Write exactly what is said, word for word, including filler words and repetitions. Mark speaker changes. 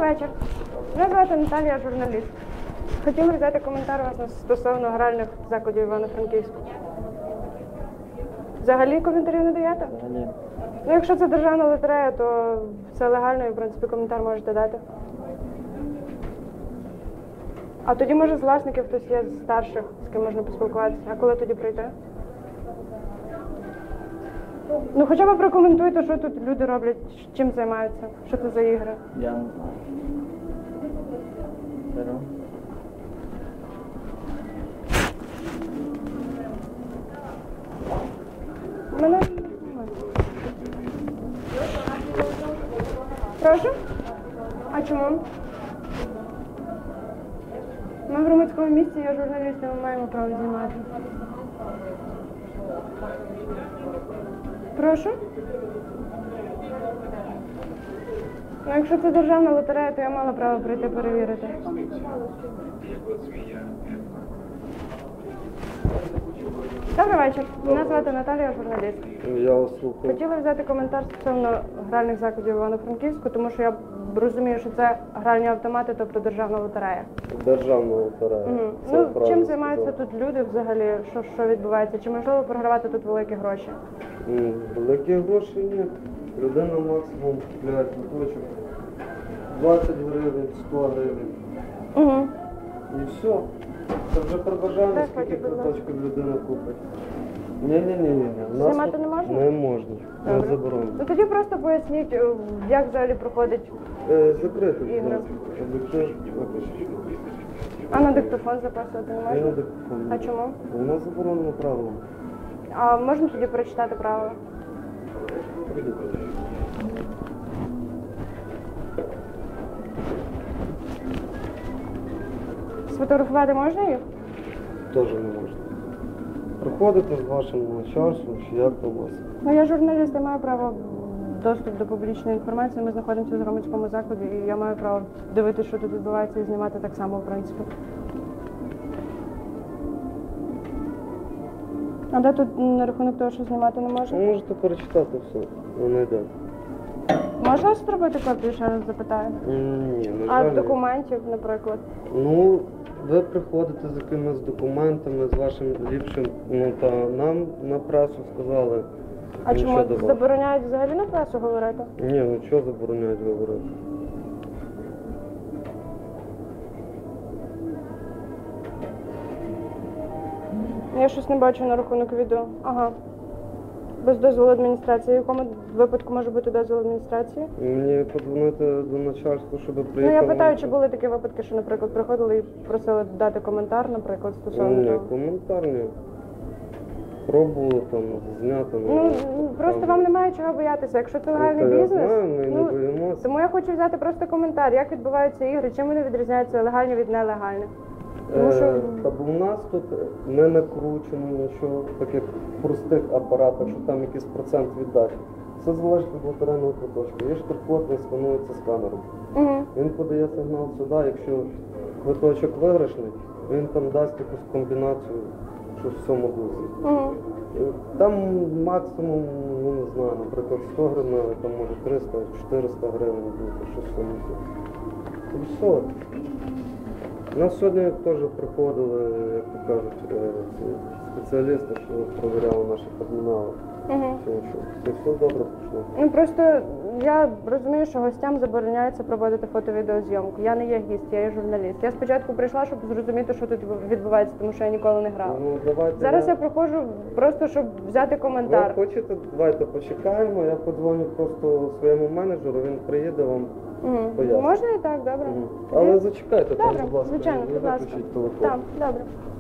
Speaker 1: вечір. Мене звати Наталія, журналіст. Хотіла взяти коментар у вас стосовно гральних закладів Івано-Франківську. Взагалі коментарів не даєте?
Speaker 2: Ні.
Speaker 1: Ну, якщо це державна лотерея, то все легально і, в принципі, коментар можете дати. А тоді, може, з власників хтось є з старших, з ким можна поспілкуватися. А коли тоді прийти? Ну, хоча б прокоментуйте, що тут люди роблять, чим займаються, що це за ігри.
Speaker 2: Я не знаю. Беру.
Speaker 1: Мене... Прошу? А чому? Ми в громадському місці, я журналіст, і ми маємо право знімати. Прошу? Ну, якщо це державна лотерея, то я мала право прийти перевірити. Добрий вечір. Мене звати Наталія, журналіст.
Speaker 2: Я вас слухаю.
Speaker 1: Хотіла взяти коментар стосовно гральних закладів Івано-Франківську, тому що я розумію, що це гральні автомати, тобто державна лотерея.
Speaker 2: Державна лотерея.
Speaker 1: Угу. Ну, чим займаються тут люди взагалі, що, що відбувається? Чи можливо програвати тут великі гроші?
Speaker 2: Mm, великі гроші ні. Людина максимум купляє квиточок двадцять гривень, сто гривень.
Speaker 1: Угу.
Speaker 2: І все. Це вже при бажанні,
Speaker 1: Так,
Speaker 2: скільки
Speaker 1: будь ласка.
Speaker 2: квиточків людина купить. Ні-ні-ні.
Speaker 1: Знімати не можна?
Speaker 2: Не можна. Не
Speaker 1: Добре.
Speaker 2: заборонено.
Speaker 1: Ну тоді просто поясніть, е, як взагалі проходить,
Speaker 2: Е, закрити, будь
Speaker 1: Ігри.
Speaker 2: ласка. Об'єктив виключити.
Speaker 1: а на диктофон записувати не
Speaker 2: Я на
Speaker 1: можна?
Speaker 2: диктофон.
Speaker 1: А чому?
Speaker 2: Воно заборонено правилом.
Speaker 1: А можна тоді прочитати правила?
Speaker 2: Прийдіть.
Speaker 1: Сфотографувати можна їх?
Speaker 2: Теж не можна. Приходите з вашим начальством, чи як то у вас.
Speaker 1: Ну я журналіст, я маю право доступ до публічної інформації. Ми знаходимося в громадському закладі, і я маю право дивитися, що тут відбувається, і знімати так само, в принципі. А де тут на рахунок того, що знімати не
Speaker 2: Ви
Speaker 1: можна?
Speaker 2: можете перечитати все, воно йде.
Speaker 1: Можна зробити копію, ще раз запитаю?
Speaker 2: Ні, на
Speaker 1: А
Speaker 2: жаль, ні.
Speaker 1: документів, наприклад?
Speaker 2: Ну, ви приходите з якимись документами, з вашим ліпшим, ну та нам на пресу сказали.
Speaker 1: А
Speaker 2: нічого
Speaker 1: чому
Speaker 2: до вас.
Speaker 1: забороняють взагалі на пресу говорити?
Speaker 2: Ні, ну що забороняють говорити?
Speaker 1: Я щось не бачу на рахунок відео. Ага. Без дозволу адміністрації. В якому випадку може бути дозвіл адміністрації?
Speaker 2: Мені подзвонити до начальства, щоб
Speaker 1: Ну
Speaker 2: приїхали.
Speaker 1: я питаю, чи були такі випадки, що, наприклад, приходили і просили дати коментар, наприклад, стосовно
Speaker 2: Ні,
Speaker 1: того?
Speaker 2: коментар ні. Пробували там зняти.
Speaker 1: Ну просто вам немає чого боятися. Якщо це легальний
Speaker 2: Ну, та я
Speaker 1: бізнес,
Speaker 2: знаю, ми не
Speaker 1: ну
Speaker 2: боїмося.
Speaker 1: тому я хочу взяти просто коментар, як відбуваються ігри, чим вони відрізняються легальні від нелегальних. Тому що
Speaker 2: Е, Та бо в нас тут не накручено нічого, так як в простих апаратах, що там якийсь процент віддачі. Все залежить від лотерейного квиточка. Є штрих-код, він сканується сканером.
Speaker 1: угу.
Speaker 2: Він подає сигнал сюди, якщо квиточок виграшний, він там дасть якусь комбінацію, що в цьому дусі.
Speaker 1: Угу.
Speaker 2: Е, Там максимум, ну не знаю, наприклад, сто гривень, але там може триста-чотириста гривень бути, щось в цьому дусі. І все. У нас сьогодні теж приходили, як то кажуть, е, ці спеціалісти, що провіряли наші термінали.
Speaker 1: Угу.
Speaker 2: Все, що це все добре пішло.
Speaker 1: Ну просто я розумію, що гостям забороняється проводити фото-відеозйомку. Я не є гість, я є журналіст. Я спочатку прийшла, щоб зрозуміти, що тут відбувається, тому що я ніколи не грала.
Speaker 2: Ну, давайте
Speaker 1: Зараз
Speaker 2: я...
Speaker 1: я проходжу просто, щоб взяти коментар.
Speaker 2: Ви хочете, давайте почекаємо, я подзвоню просто своєму менеджеру, він приїде вам
Speaker 1: Угу.
Speaker 2: пояснить.
Speaker 1: Можна і так, добре.
Speaker 2: Мгм. Але зачекайте, там,
Speaker 1: Добре,
Speaker 2: будь ласка,
Speaker 1: звичайно,
Speaker 2: не
Speaker 1: будь ласка.
Speaker 2: виключіть телефон.
Speaker 1: Так, добре.